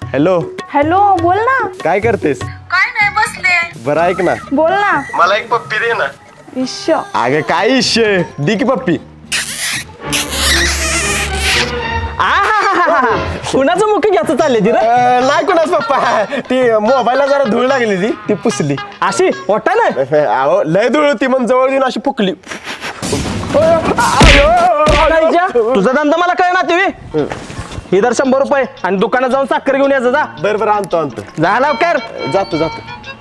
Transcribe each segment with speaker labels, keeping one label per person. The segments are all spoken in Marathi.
Speaker 1: हॅलो
Speaker 2: हॅलो बोल ना.
Speaker 1: काय करतेस?
Speaker 3: काय नाही बसले.
Speaker 1: बरं ऐक ना,
Speaker 2: बोल ना.
Speaker 1: मला एक पप्पी दे ना.
Speaker 2: इश्श.
Speaker 1: अगं काय इश्य, दी की पप्पी.
Speaker 4: कुणाचं मुख्य घ्यायचं चालले ती रे?
Speaker 1: नाही कोणाच पप्पा, ती मोबाईलला जरा धूळ लागली ती पुसली.
Speaker 4: अशी ओटा ना
Speaker 1: अहो लय धूळ होती, मग जवळ येऊन अशी फुकली.
Speaker 4: तुझा धंदा मला कळ ना तुम्ही. इधर 100 रुपये आणि दुकानात जाऊन साखर घेऊन यायचं. जा
Speaker 1: बरं बरं आणतो आणतो.
Speaker 4: जा लवकर.
Speaker 1: जातो जातो.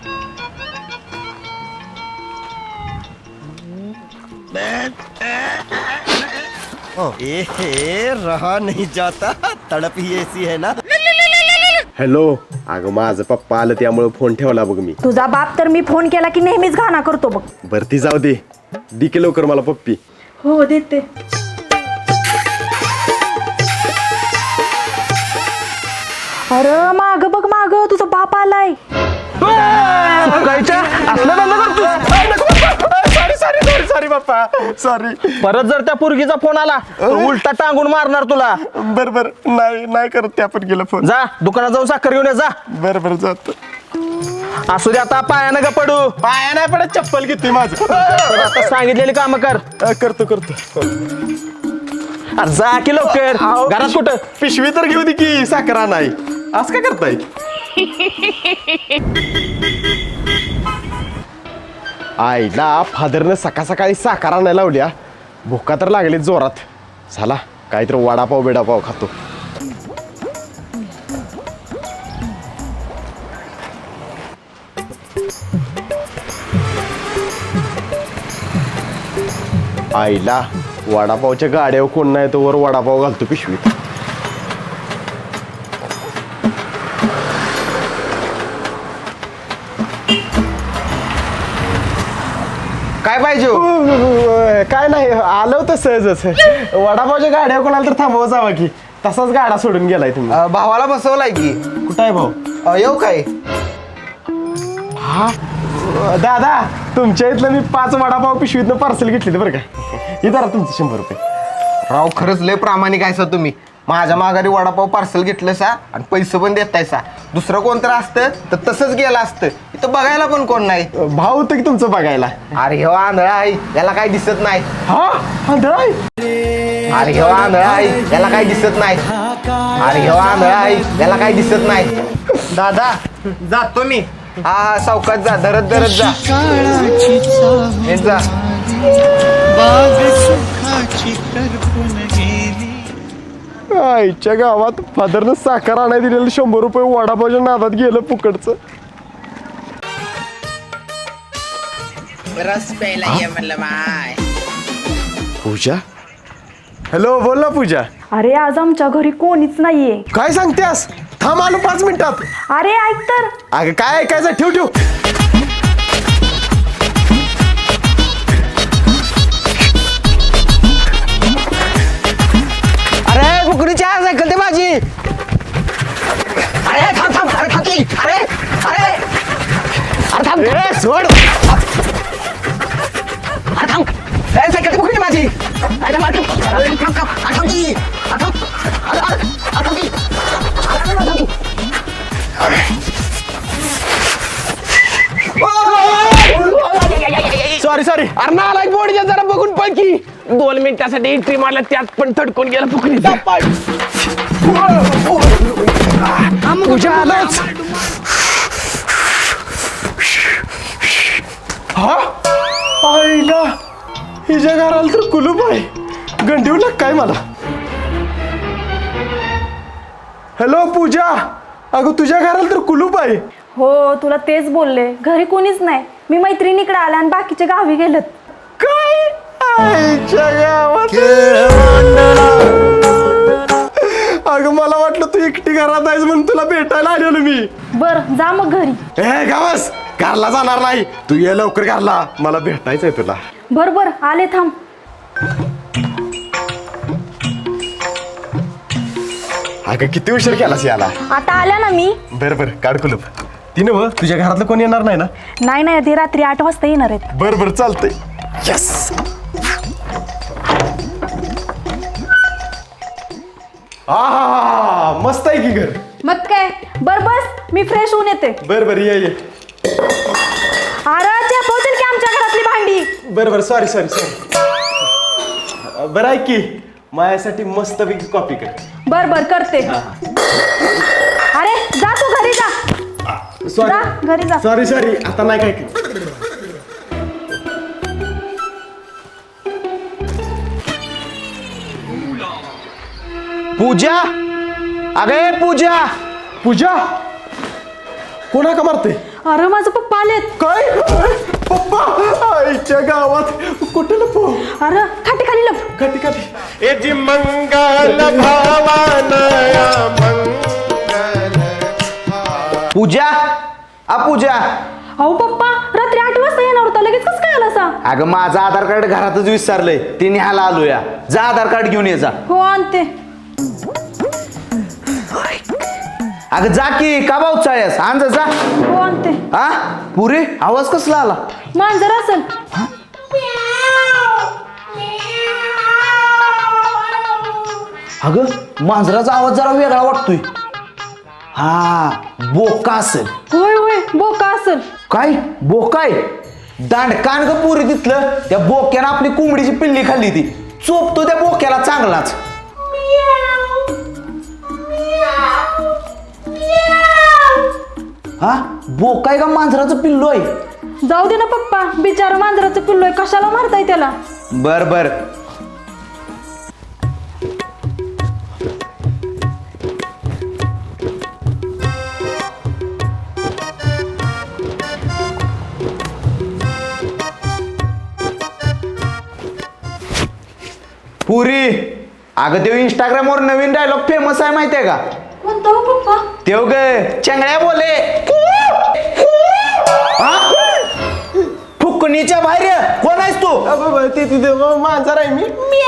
Speaker 5: रहा नहीं जाता, तड़प ही ऐसी है ना.
Speaker 1: हॅलो, अगं माझं पप्पा आलं त्यामुळे फोन ठेवला बघ मी.
Speaker 2: तुझा बाप तर मी फोन केला की नेहमीच घाणा करतो बघ.
Speaker 1: बरं ती जाऊ दे, दी की लवकर मला पप्पी.
Speaker 2: हो देते. अरे माग बघ माग, तुझा बाप आलाय.
Speaker 4: कायच्या असलं धंदा करतोस?
Speaker 1: सॉरी सॉरी सॉरी सॉरी पप्पा, सॉरी.
Speaker 4: परत जर त्या पोरगीचा फोन आला तर उलटा टांगून मारणार तुला.
Speaker 1: बरं बरं, नाही नाही करत त्या पण गेला फोन.
Speaker 4: जा दुकानात जाऊन साखर घेऊन ये. जा
Speaker 1: बरं बरं जातो.
Speaker 4: असू दे आता, पायानं का पडू.
Speaker 1: पाया नाही पडत, चप्पल घेतोय माझं.
Speaker 4: पण आता सांगितलेली कामं कर.
Speaker 1: करतो करतो.
Speaker 4: अरे जा की लवकर. घरात कुठं?
Speaker 1: पिशवी तर घेऊ दे की, साखरा नाही. असं काय करताय? आईला फादरनं सकाळ सकाळी साखर आणायला लावल्या. भुका तर लागली जोरात. झाला काहीतरी वडापाव बिडापाव खातो. आईला वडापावच्या गाड्यावर कोण नाही, तो वर वडापाव घालतो पिशवीत.
Speaker 4: काय पाहिजे?
Speaker 1: काय नाही, आलं होतं सहजच. वडापावच्या गाड्या कोणाला तर थांबवा जावा की, तसाच गाडा सोडून गेलाय तुम्ही.
Speaker 5: भावाला बसवलाय की.
Speaker 1: कुठं आहे भाऊ?
Speaker 5: येऊ काय?
Speaker 1: दादा, तुमच्या इथलं मी 5 वडापाव पिशवीतनं पार्सल घेतली बरं का. हे धरा तुमचं 100 रुपये.
Speaker 5: राव खरंच लय प्रामाणिक आहे सा तुम्ही. माझ्या माघारी वडापाव पार्सल घेतलं सा आणि पैसे पण देताय सा. दुसरं कोणतं असतं तर तसंच गेलं असतं. इथं बघायला पण कोण नाही.
Speaker 1: भाऊ होतं की तुमचं बघायला.
Speaker 5: अरे हो आंधळा आहे, याला काही दिसत नाही.
Speaker 1: हा आंधळा आहे?
Speaker 5: अरे हो आंधळा आहे, याला काही दिसत नाही. अरे हो आंधळा आहे, याला काही दिसत नाही. दादा जातो मी. हा हा सावकाश जा, धरत धरत जा. हे जा.
Speaker 1: आईच्या गावात फादरनं साखर आणाय दिलेलं 100 रुपये वडापावच्या नादात गेलं फुकटचं.
Speaker 3: रस प्यायला ये म्हणलं माय.
Speaker 1: पूजा, हॅलो बोल ना पूजा.
Speaker 2: अरे आज आमच्या घरी कोणीच नाहीये.
Speaker 1: काय सांगतेस? थांब आलो 5 मिनिटात.
Speaker 2: अरे ऐक तर.
Speaker 1: अगं काय ऐकायचं, ठेव ठेव.
Speaker 4: अरे बुकडीच्या सायकल ते माझी. अरे थांब थांब. अरे थांब की. अरे अरे अरे थांब.
Speaker 1: ए, सोड.
Speaker 4: अरे थांब. अरे सायकल ते बुकडी माझी. अरे थांब थांब. अरे थांब थांब. अरे थांब की. अरे थांब. अरे अरे अरे थांब की. अरे थांब की.
Speaker 1: Sorry sorry.
Speaker 4: अरे नाला बोर्डच्या जरा बघून पण की 2 मिनिटासाठी एंट्री मारला, त्यात पण थडकून गेला फुकणीचा.
Speaker 1: पूजा आलोच. हा आईला, हिच्या घराला तर कुलूप आहे. गंडीव लाग काय मला. हॅलो पूजा, अगं तुझ्या घराला तर कुलूप आहे.
Speaker 2: हो तुला तेच बोलले, घरी कोणीच नाही. मी मैत्रिणीकडे आले आणि बाकीचे गावी गेलेत.
Speaker 1: काय आईच्या गावात. अगं मला वाटलं तू एकटी घरात आहेस म्हणून तुला भेटायला आलेलो मी.
Speaker 2: बर जा मग घरी.
Speaker 1: ए गावस, घरला जाणार नाही. तू ये लवकर घरला, मला भेटायचंय तुला.
Speaker 2: बर बर आले, थांब.
Speaker 1: अगं किती उशीर केलास याला.
Speaker 2: आता आल्या ना मी.
Speaker 1: बरं बरं, काढ कुलूप. ती नव्ह, तुझ्या घरातलं कोण येणार नाही ना?
Speaker 2: नाही नाही, ते रात्री 8 वाजता येणार आहेत.
Speaker 1: बरं बरं चालतंय. यस. हा मस्त आहे की घर.
Speaker 2: मग काय बर बस मी फ्रेश होऊन येते.
Speaker 1: बरं ये
Speaker 2: अरे चेपवतील की आमच्या घरातली भांडी.
Speaker 1: बरं सॉरी बरं ऐक की माझ्यासाठी मस्त पैकी कॉपी कर.
Speaker 2: बर करते. अरे जा तू घरी जा. जा घरी जा.
Speaker 1: सॉरी आता नाही काय केलं.
Speaker 5: पूजा अगे पूजा
Speaker 1: कोणा का मारते?
Speaker 2: अरे माझं पप्पा आलेत.
Speaker 1: काय पप्पा आईच्या गावात कुठे लपो?
Speaker 2: अरे खाटी खाली लप.
Speaker 1: कधी एजी मंगल भावानया मंगल.
Speaker 5: पूजा पूजा
Speaker 2: अहो पप्पा रात्री 8 वाजता येणार होता लगेच कसं काय आला सा?
Speaker 5: अगं माझं आधार कार्ड घरातच विसरलंय ते न्यायला आलोया. जा आधार कार्ड घेऊन ये जा.
Speaker 2: हो आणते.
Speaker 5: अगं जा की का भाऊ चाळ्यास आण जा.
Speaker 2: हो आणते.
Speaker 5: हा पुरे आवाज कसला आला?
Speaker 2: मांजर असेल.
Speaker 5: अगं मांजराचा आवाज जरा वेगळा वाटतोय. हा बोका असेल.
Speaker 2: होय बोका असेल.
Speaker 5: काय बोकाय? दांडकान ग पुरी तिथलं त्या बोक्यानं आपली कोंबडीची पिल्ली खाल्ली ती. चोपतो त्या बोक्याला चांगलाच. हा बोकाय का मांजराचं पिल्लो आहे?
Speaker 2: जाऊ दे ना पप्पा बिचारा मांजराचं पिल्लोय कशाला मारताय त्याला?
Speaker 5: बर पुरी अगं ते इंस्टाग्रामवर नवीन डायलॉग फेमस आहे माहितीये का?
Speaker 2: कोणता हो पप्पा?
Speaker 5: तेव ग चंगळ्या बोले फुकणीच्या बाहेर कोण आहेस तू?
Speaker 1: तिथे मांजर आहे मी.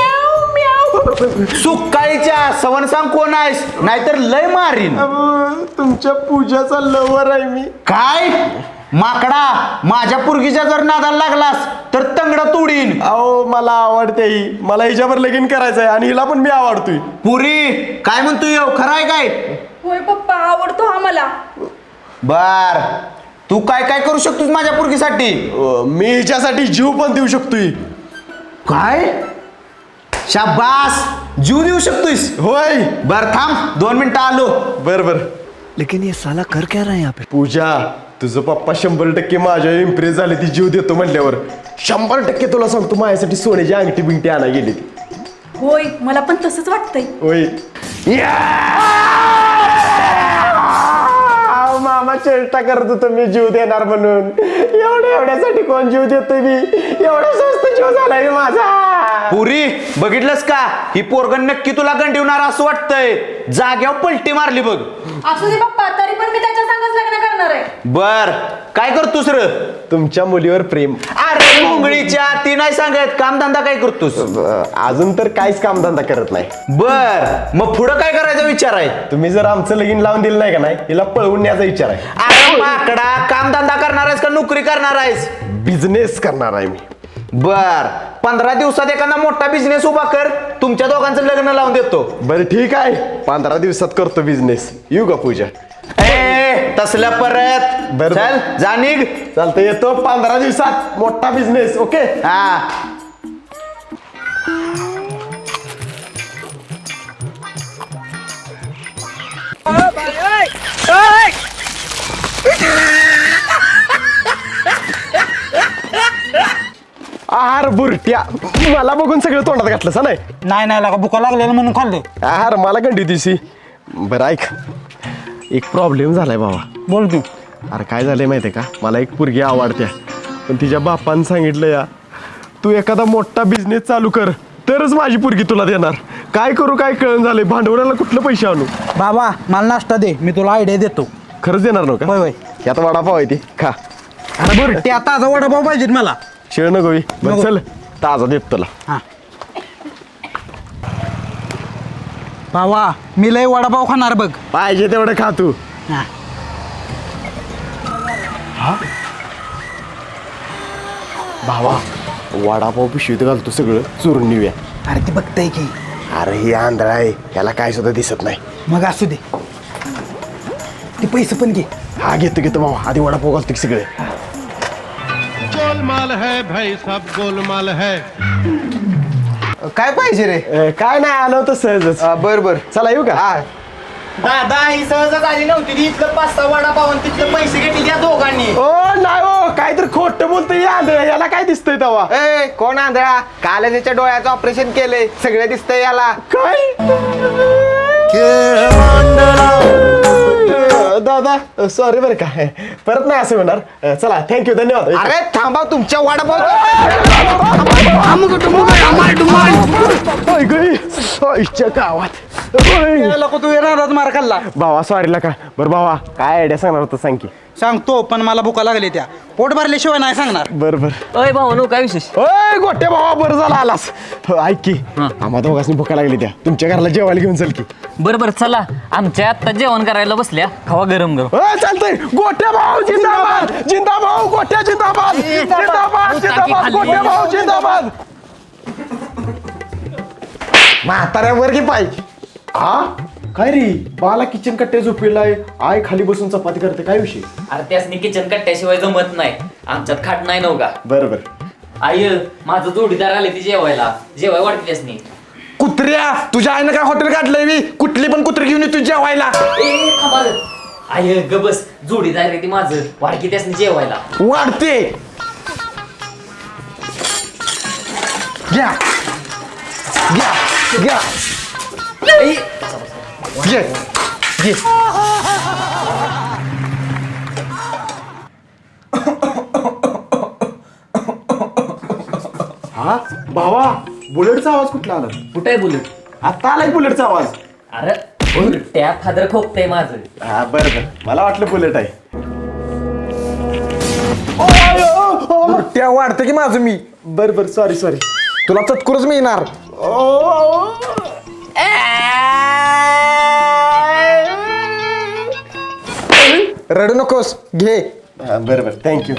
Speaker 5: सुकाळीच्या सवन सांग कोण आहेस नाहीतर लय मारीन.
Speaker 1: तुमच्या पूजाचा लवर आहे मी.
Speaker 5: काय माकडा माझ्या पुरगीच्या जर नादाला लागलास तर तंगड तोडीन.
Speaker 1: अहो मला आवडते ही. मला हिच्यावर लगीन करायचंय आणि हिला पण मी आवडतोय.
Speaker 5: पुरी काय म्हणतोय खरं आहे काय?
Speaker 2: होय पप्पा आवडतो हा मला.
Speaker 5: बर तू काय काय करू शकतोस माझ्या पुरगीसाठी?
Speaker 1: मी हिच्यासाठी जीव पण देऊ शकतोय.
Speaker 5: काय शाबास जीव देऊ शकतोस?
Speaker 1: होय.
Speaker 5: बर थांब 2 मिनिटं आलो.
Speaker 1: बर
Speaker 4: लेकिन ये साला कर क्या रहा है यहाँ पे?
Speaker 1: पूजा तुझं पप्पा 100% माझ्या इम्प्रेस झाले ती जीव देतो म्हटल्यावर. 100% तुला सांगतो माझ्यासाठी सोन्याची अंगठी बिंगठी आणा गेली ती.
Speaker 2: होय मला पण तसंच वाटतंय.
Speaker 1: होय. मामा चेष्टा करत होतो मी जीव देणार म्हणून. एवढ्यासाठी कोण जीव देतोय मी? एवढा स्वस्त जीव झालाय माझा.
Speaker 5: पुरी बघितलंस का ही पोरगण नक्की तुला गंडीवणार असं वाटतंय. जाग्यावर पलटी मारली बघ.
Speaker 2: असू दे पप्पा तरी पण मी त्याच्या संगच लग्न करणार आहे.
Speaker 5: बर काय करतोस र?
Speaker 1: तुमच्या मुलीवर प्रेम.
Speaker 5: अरे मुंगळीच्या ती नाही सांगत कामधंदा काय करतोस?
Speaker 1: अजून तर काहीच कामधंदा करत नाही.
Speaker 5: बर मग पुढं काय करायचा विचार आहे?
Speaker 1: तुम्ही जर आमचं लगीन लावून दिलं नाही का नाही हिला पळवून न्यायचा विचार आहे.
Speaker 5: अरे माकडा कामधंदा करणार आहेस का नोकरी करणार आहेस?
Speaker 1: बिझनेस करणार आहे मी.
Speaker 5: बर 15 दिवसात एखादा मोठा बिझनेस उभा कर तुमच्या दोघांचं लग्न लावून देतो.
Speaker 1: बरं ठीक आहे 15 दिवसात करतो बिझनेस. येऊ का पूजा?
Speaker 5: ए तसल्या परत
Speaker 1: बरं.
Speaker 5: चल जा निघ.
Speaker 1: चालतं येतो 15 दिवसात मोठा बिझनेस. ओके.
Speaker 5: हा
Speaker 1: आहार बुरट्या मला बघून सगळं तोंडात घातलं सा नाही.
Speaker 6: नाही लागा भुका लागलेलं म्हणून खाल्ले.
Speaker 1: आहार मला गंडी दिसी. बरं ऐक एक प्रॉब्लेम झालाय बाबा.
Speaker 6: बोल तू.
Speaker 1: अरे काय झालंय माहितीये का मला एक पोरगी आवडत्या पण तिच्या बापानं सांगितलं या तू एखादा मोठा बिझनेस चालू कर तरच माझी पोरगी तुला देणार. काय करू काय कळण झालंय. भांडवलाला कुठलं पैसे आणू?
Speaker 6: बाबा मला नाश्ता दे मी तुला आयडिया देतो.
Speaker 1: खरंच देणार नव्हतं का?
Speaker 6: होय.
Speaker 1: यात वडापाव आहे ती खा.
Speaker 6: अरे बरं ते आता वडापाव पाहिजेत मला.
Speaker 1: शिळ नको बी. बरं
Speaker 6: नको.
Speaker 1: चल ताजा देत तुला.
Speaker 6: हा बाबा मी लय वडापाव खाणार बघ.
Speaker 1: पाहिजे तेवढं खा तू.
Speaker 6: हा.
Speaker 1: भावा वडापाव पिशवीत घालतो सगळं चोरून नेऊया.
Speaker 6: अरे ती बघताय की.
Speaker 1: अरे हे आंधळा आहे याला काय सुद्धा दिसत नाही.
Speaker 6: मग असू दे. ते पैसे पण घे.
Speaker 1: हा घेतो घेतो भावा आधी वडापाव घालतो की सगळे.
Speaker 7: गोलमाल है भाई सब गोलमाल है.
Speaker 5: काय पाहिजे रे?
Speaker 1: काय नाही आलं होतं सहजच.
Speaker 5: बर बर.
Speaker 1: चला येऊ का?
Speaker 5: हा.
Speaker 4: दादा ही सहजच आली नव्हती ती. इथलं 5-6 वडापाव आणि तिथलं पैसे घेतले त्या दोघांनी.
Speaker 1: ओ नाही हो काहीतरी खोटं बोलतोय याला काय दिसतंय तेव्हा?
Speaker 5: ए कोण आंधळा? काल त्याच्या डोळ्याचं ऑपरेशन केलंय, सगळं दिसतंय याला.
Speaker 1: काय दादा सॉरी बरं का परत नाही असं होणार. चला थँक्यू धन्यवाद.
Speaker 5: अरे थांबा तुमच्या वडापाव.
Speaker 1: आईच्या गावात
Speaker 6: नको तू येणार मार खाल्ला.
Speaker 1: भावा सॉरी का बरं भावा काय आयडिया सांगणार होतं सांग की.
Speaker 6: सांगतो पण मला भुका लागली त्या. पोट भरल्याशिवाय नाही सांगणार.
Speaker 1: बरं बरं.
Speaker 8: अय भाऊ काय विशेष?
Speaker 1: ओय गोट्या भावा बरं झाला आलास. ऐक की आम्हा दोघांनी भुका लागली त्या तुमच्या घराला जेवायला घेऊन चल की.
Speaker 8: बरं बरं चला आमच्या आत्ता जेवण करायला बसल्या खावा गरम गरम.
Speaker 1: चालतंय गोट्या भाऊ जिंदाबाद जिंदाबाद गोट्या जिंदाबाद जिंदाबाद जिंदाबाद गोट्या भाऊ जिंदाबाद. म्हाताऱ्यावर की पाहिजे. हा काय रे बाला किचन कट्ट्या झोपेलाय आय खाली बसून चपाती करते काय विषय?
Speaker 8: अरे त्यासनी किचन कट्ट्याशिवाय जमत नाही आमच्यात खाट नाही नव्हता.
Speaker 1: बरं बरं.
Speaker 8: आय माझं जोडीदार आले ती जेवायला जेवाय वाटते त्यासनी.
Speaker 5: कुत्र्या तुझ्या आईनं काय हॉटेल काढलंय मी? कुठली पण कुत्री घेऊन येतो जेवायला.
Speaker 8: ए थांबा रे. आय ग बस जोडीदार आहे ती माझं वाडकी त्यासनी जेवायला.
Speaker 5: वाढते. घ्या घ्या घ्या
Speaker 8: ए,
Speaker 5: घे घे.
Speaker 1: हा भावा बुलेटचा आवाज कुठला आला?
Speaker 8: कुठे आहे बुलेट?
Speaker 1: आता आलाय बुलेटचा आवाज.
Speaker 8: अरे त्या फादर खोकतय माझं.
Speaker 1: हा बरं बरं मला वाटलं बुलेट आहे.
Speaker 5: त्या वाढते की माझं मी.
Speaker 1: बरं बरं सॉरी सॉरी.
Speaker 5: तुला चतकुरच मिळणार. रडू नकोस घे.
Speaker 1: बरं बरं थँक्यू.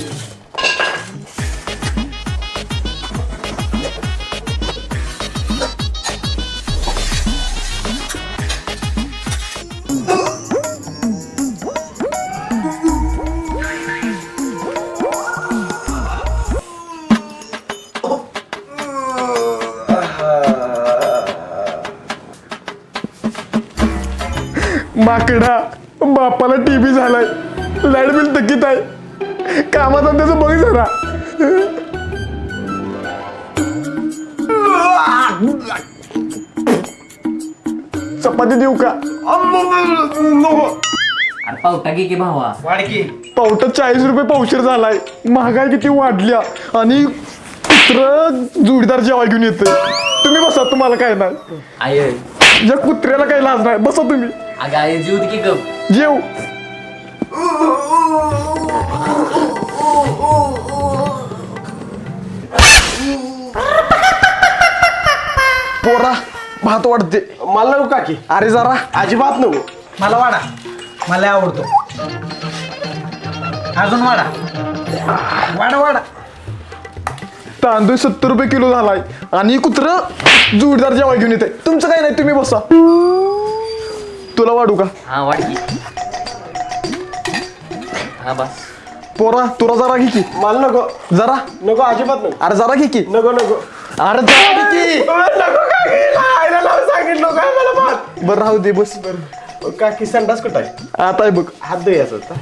Speaker 1: माकडा बापाला टीबी झालाय लाईट बिल थकीत आहे कामाचा त्याचं बघ जरा. चपाती देऊ का?
Speaker 8: अरे पावटा की भावा.
Speaker 1: पावटा 40 रुपये पावशेर झालाय. महागाई किती वाढल्या आणि कुत्रं जोडीदार जेवाय घेऊन येतंय. तुम्ही बसा तुम्हाला काय नाही.
Speaker 8: आय
Speaker 1: या कुत्र्याला काही लाज नाही बसा तुम्ही
Speaker 8: अगं आय जीव दे की गप.
Speaker 1: जेव.
Speaker 5: पोरा भात वाढते.
Speaker 1: मला नको काकी.
Speaker 5: अरे जरा
Speaker 1: अजिबात नको.
Speaker 6: मला वाडा मला आवडतो. अजून वाडा वाडा वाडा.
Speaker 1: तांदूळ 70 रुपये किलो झालाय आणि कुत्र जोडीदार जेवाय घेऊन येते. तुमचं काय नाही तुम्ही बसा. तुला वाढू का?
Speaker 8: हा वाटकी. हा बस.
Speaker 5: पोरा तुला जरा घे की.
Speaker 1: मला नको.
Speaker 5: जरा
Speaker 1: नको अजिबात नको.
Speaker 5: अरे जरा घे की.
Speaker 1: नको नको.
Speaker 5: अरे जरा घे की.
Speaker 1: नको काकी आईला लावून सांगितलं काय मला बात.
Speaker 5: बरं राहू दे बस.
Speaker 1: काकी संडास कुठं आहे?
Speaker 5: आता आहे बघ.
Speaker 1: हात दे याचा आता.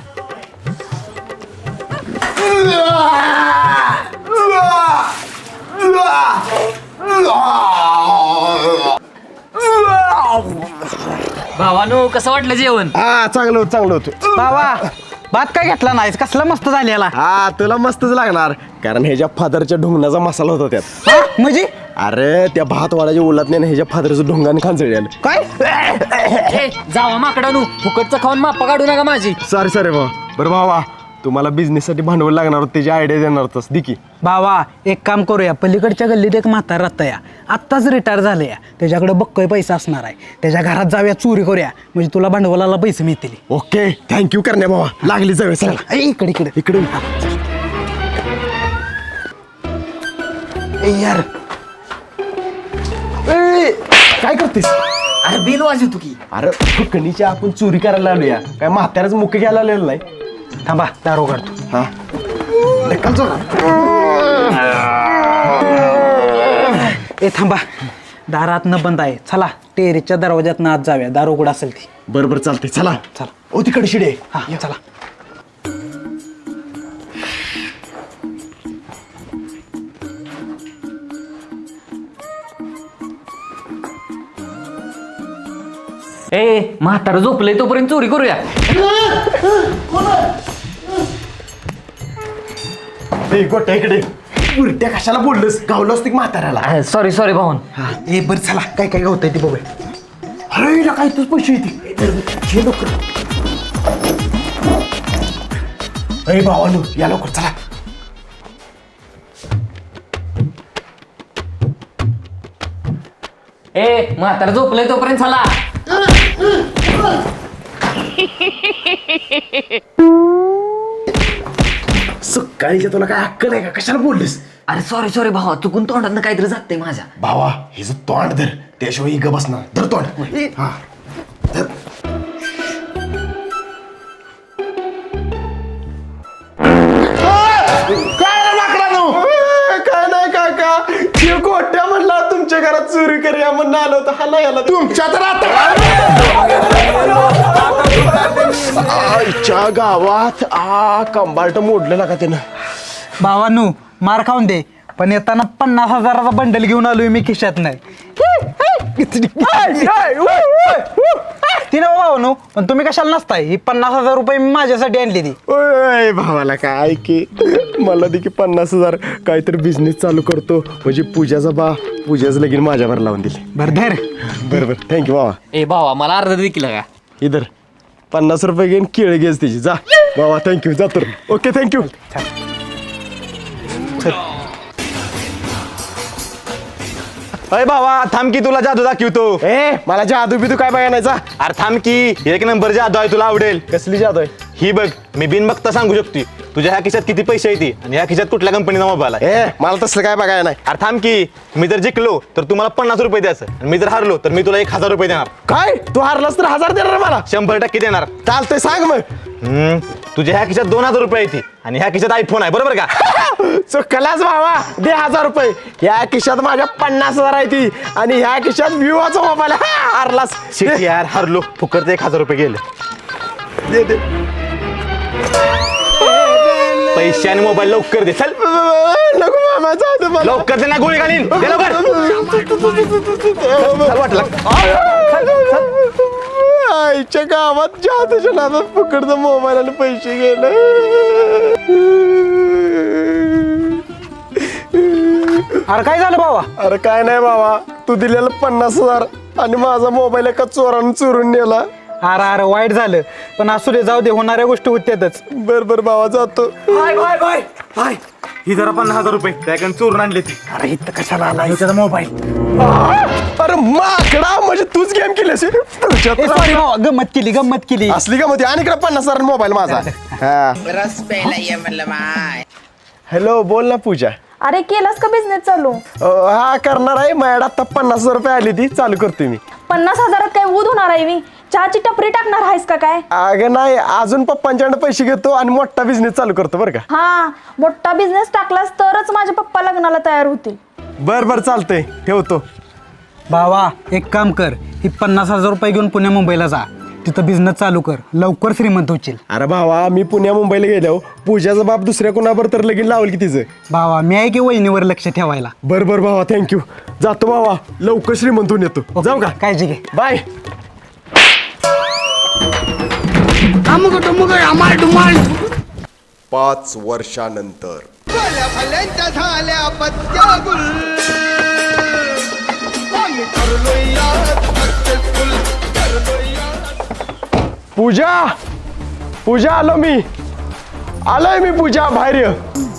Speaker 8: भावानो कसं वाटलं जेवण?
Speaker 1: हा चांगलं होतं चांगलं होतं.
Speaker 6: बाबा भात काय घेतला नाहीस कसला मस्त झालेला.
Speaker 1: हा तुला मस्तच लागणार कारण ह्याच्या फादरच्या ढोंगणाचा मसाला होता त्यात.
Speaker 6: हा म्हणजे
Speaker 1: अरे त्या भात वाड्याच्या उलटने ह्याच्या फादरचं ढोंगाने खांचळी आलं.
Speaker 6: काय
Speaker 8: ए जावा माकडानू फुकटचं खाऊन माप्पा काढू नका माझी.
Speaker 1: सॉरी सॉरी भाऊ. बरं भावा तुम्हाला बिझनेससाठी भांडवल लागणार होतं त्याची आयडिया देणार होतास दिकी.
Speaker 6: भावा एक काम करूया. पलीकडच्या गल्लीत एक म्हातार राहतं या आत्ताच रिटायर झाले या. त्याच्याकडे बक्कय पैसा असणार आहे. त्याच्या घरात जाऊया चोरी करूया म्हणजे तुला भांडवलाला पैसे मिळतील.
Speaker 1: ओके थँक्यू करण्या भावा लागली जाऊया चला.
Speaker 6: इकडे इकडे
Speaker 1: इकडे
Speaker 6: ए यार
Speaker 1: ए, काय करतेस?
Speaker 8: अरे बेल वाजवतो की.
Speaker 1: अरे फुकणीची आपण चोरी करायला आलोया काय म्हाताऱ्याच मुख्य घ्यायला आलेलं नाही.
Speaker 6: थांबा दारू काढतो.
Speaker 1: हा ढकल जोरात.
Speaker 6: ए थांबा, दारात न बंद आहे. चला टेरेसच्या दरवाज्यात आत जाऊया, दारू कुठं असेल ती.
Speaker 1: बरोबर चालते चला.
Speaker 6: चला.
Speaker 1: ओ तिकडे शिडे.
Speaker 6: हा चला.
Speaker 8: ए म्हातारं झोपलंय तोपर्यंत चोरी करूया.
Speaker 1: ए गोट्या इकडे. उलट्या कशाला बोललंस? गावलं असतं की म्हाताऱ्याला.
Speaker 8: सॉरी सॉरी भाऊन.
Speaker 6: ए बरं चला, काय काय होतंय ते बघूया.
Speaker 1: अरे हिला काय तूच पैसे येते लवकर. अरे भावानू या लवकर चला.
Speaker 8: ए म्हातारं झोपलंय तोपर्यंत चला.
Speaker 1: सकाळीच्या तुला काय अक्कल आहे का? कशाला बोललीस?
Speaker 8: अरे सॉरी सॉरी भावा, चुकून तोंडात काहीतरी जाते माझ्या.
Speaker 1: भावा हिचं तोंड धर, त्याशिवाय ही ग बसणार. धर तोंड. हा धर. काय नाही काका, हे गोट्या म्हणला तुमच्या घरात चोरी करूया म्हणून आलो होतं. हाला याला तुमच्या तर आईच्या गावात कंबाल्ट मोडलं का त्यानं.
Speaker 6: भावानू मार खाऊन दे, पण येताना 50,000चा बंडल घेऊन आलोय मी खिशात नाही. ती ना भावानू, पण तुम्ही कशाला नसताय? ही 50,000 रुपये मी माझ्यासाठी आणली ती.
Speaker 1: ओय भावाला काय की मला दे की 50,000. काहीतरी बिझनेस चालू करतो म्हणजे पूजाचं लगीन माझ्यावर लावून दिले.
Speaker 6: बरं धर.
Speaker 1: बरोबर थँक्यू भावा.
Speaker 8: ए भावा मला अर्ध देखील का.
Speaker 1: इधर 50 रुपये घेऊन केळ घेस त्याची. जा बाबा थँक्यू. जातो. Okay thank you.
Speaker 5: अरे भावा थांब की, तुला जादू दाखवतो.
Speaker 1: ए मला जादू बिदू काय बघायचा?
Speaker 5: अरे थांब की, एक नंबर जादू आहे, तुला आवडेल.
Speaker 1: कसली जादू आहे?
Speaker 5: ही बघ, मी बिन बघता सांगू शकते तुझ्या ह्या खिशात किती पैसे येते आणि ह्या खिशात कुठल्या कंपनीचा मोबाईल आहे.
Speaker 1: ए मला तसलं काय बघायला नाही.
Speaker 5: अरे थांब की, मी जर जिंकलो तर तुम्हाला 50 रुपये द्यायचं आणि मी जर हारलो तर मी तुला 1,000 रुपये देणार.
Speaker 1: काय तू हारलास तर 1000 देणार मला?
Speaker 5: 100% देणार.
Speaker 1: चालतंय सांग मग.
Speaker 5: तुझ्या ह्या खिशात 2,000 रुपये येते आणि ह्या खिशात आयफोन आहे, बरोबर का?
Speaker 1: चुकलाच भावा. दे 1000 रुपये. ह्या खिशात माझ्या 50,000 आहे ती आणि ह्या खिशात विवाचा मोबाईल. हारलास.
Speaker 5: शिट यार, हारलो. फुकट 1,000 रुपये गेले.
Speaker 1: दे दे.
Speaker 5: पैसे आणि मोबाईल लवकर दे. चल
Speaker 1: नको मामा जाऊ दे मला.
Speaker 5: लवकर दे ना, गोळी घालीन. दे लवकर. चल वाटलं.
Speaker 1: आईच्या गावात जादूच्या नादात फुकटचा मोबाईल आणि पैसे गेले.
Speaker 6: अरे काय झालं भावा?
Speaker 1: अरे काय नाही बाबा, तू दिलेलं 50,000 आणि माझा मोबाईल एका चोरानं चोरून नेला.
Speaker 6: अरे अरे वाईट झालं, पण असू दे, जाऊ दे, होणाऱ्या गोष्टी होत्यातच.
Speaker 1: बर बर बाबा जातो.
Speaker 5: ही जरा 50,000 रुपये त्याकडे चोरून आणले ती.
Speaker 1: अरे इथं कशाला आला त्याचा मोबाईल? अरे माकडा, म्हणजे तूच गेम केली असेल.
Speaker 6: सॉरी भावा, गंमत केली.
Speaker 1: असली का मध्ये आणि इकडे 50,000 मोबाईल माझा.
Speaker 3: रस प्यायला ये म्हणलं माय.
Speaker 1: हॅलो बोल ना पूजा.
Speaker 2: अरे केलास का बिझनेस चालू?
Speaker 1: हा करणार आहे. माझ्याकडे आता 50,000 रुपये आली ती, चालू करतोय मी.
Speaker 2: 50,000 काय ऊद होणार आहे मी? चहाची टपरी टाकणार आहेस का काय?
Speaker 1: अगं नाही, अजून पप्पांच्याकडे पैसे घेतो आणि मोठा बिझनेस चालू करतो बरं का.
Speaker 2: हा, मोठा बिझनेस टाकलास तरच माझे पप्पा लग्नाला तयार होतील.
Speaker 1: बर बर चालतंय, ठेवतो.
Speaker 6: भावा एक काम कर, ही 50,000 रुपये घेऊन पुण्या मुंबईला जा, तिथं बिझनेस चालू कर, लवकर श्रीमंत होशील.
Speaker 1: अरे भावा, मी पुण्या मुंबईला गेलो, पूजाचा बाप दुसऱ्या कोणावर तर लगीन लावल की तिचं.
Speaker 6: भावा मी आहे की वहिनीवर लक्ष ठेवायला.
Speaker 1: बर बर भावा, थँक्यू. जातो भावा, लवकर श्रीमंत होऊन येतो. जाऊ का?
Speaker 6: काळजी घे.
Speaker 1: बाय.
Speaker 9: 5 वर्षानंतर
Speaker 1: पूजा पूजा आलोय मी पूजा, बाहेर ये.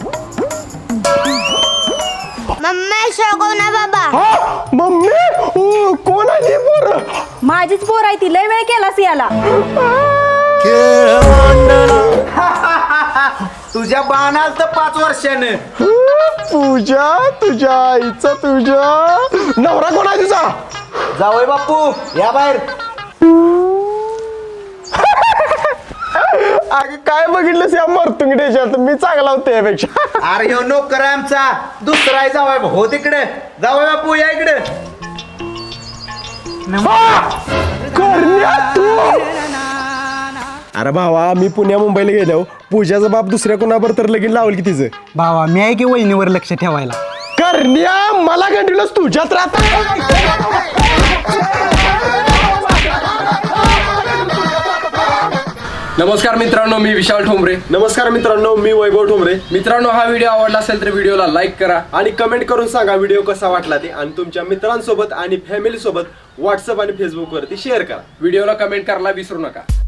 Speaker 10: मम्मी शोगो ना बाबा.
Speaker 1: हा मम्मी, कोण आहे ती पोरं?
Speaker 2: माझीच पोर आहे ती, लय वेळ केलास याला.
Speaker 5: तुझ्या बाणाल तर 5 वर्षानं.
Speaker 1: पूजा, तुझ्या आईचा तुझ्या नवरा कोण आहे तुझा?
Speaker 5: जावय बापू या बाहेर.
Speaker 1: अगं काय बघितलंस या मरतुंगड्याच्यात, मी चांगला होतो यापेक्षा.
Speaker 5: अरे ह्यो नोकर आहे आमचा, दुसरा आहे जावय हो तिकडे. जावय बापू या इकडे.
Speaker 1: करण्या तू. अरे भावा मी पुण्या मुंबईला गेलो, पूजाचा बाप दुसऱ्या कोणावर तर लगीन लावल की तिचं.
Speaker 6: भावा मी आहे की वहिनीवर लक्ष ठेवायला.
Speaker 1: करण्या मला कंटिन्यूस तुझ्यात राहत.
Speaker 11: नमस्कार मित्रांनो, मी विशाल ठोंबरे.
Speaker 1: नमस्कार मित्रांनो, मी वैभव ठोंबरे.
Speaker 11: मित्रांनो, हा व्हिडिओ आवडला असेल तर व्हिडिओला लाईक करा
Speaker 1: आणि कमेंट करून सांगा व्हिडिओ कसा वाटला ते, आणि तुमच्या मित्रांसोबत आणि फॅमिली सोबत व्हॉट्सअप आणि फेसबुक वरती शेअर करा.
Speaker 11: व्हिडिओला कमेंट करायला विसरू नका.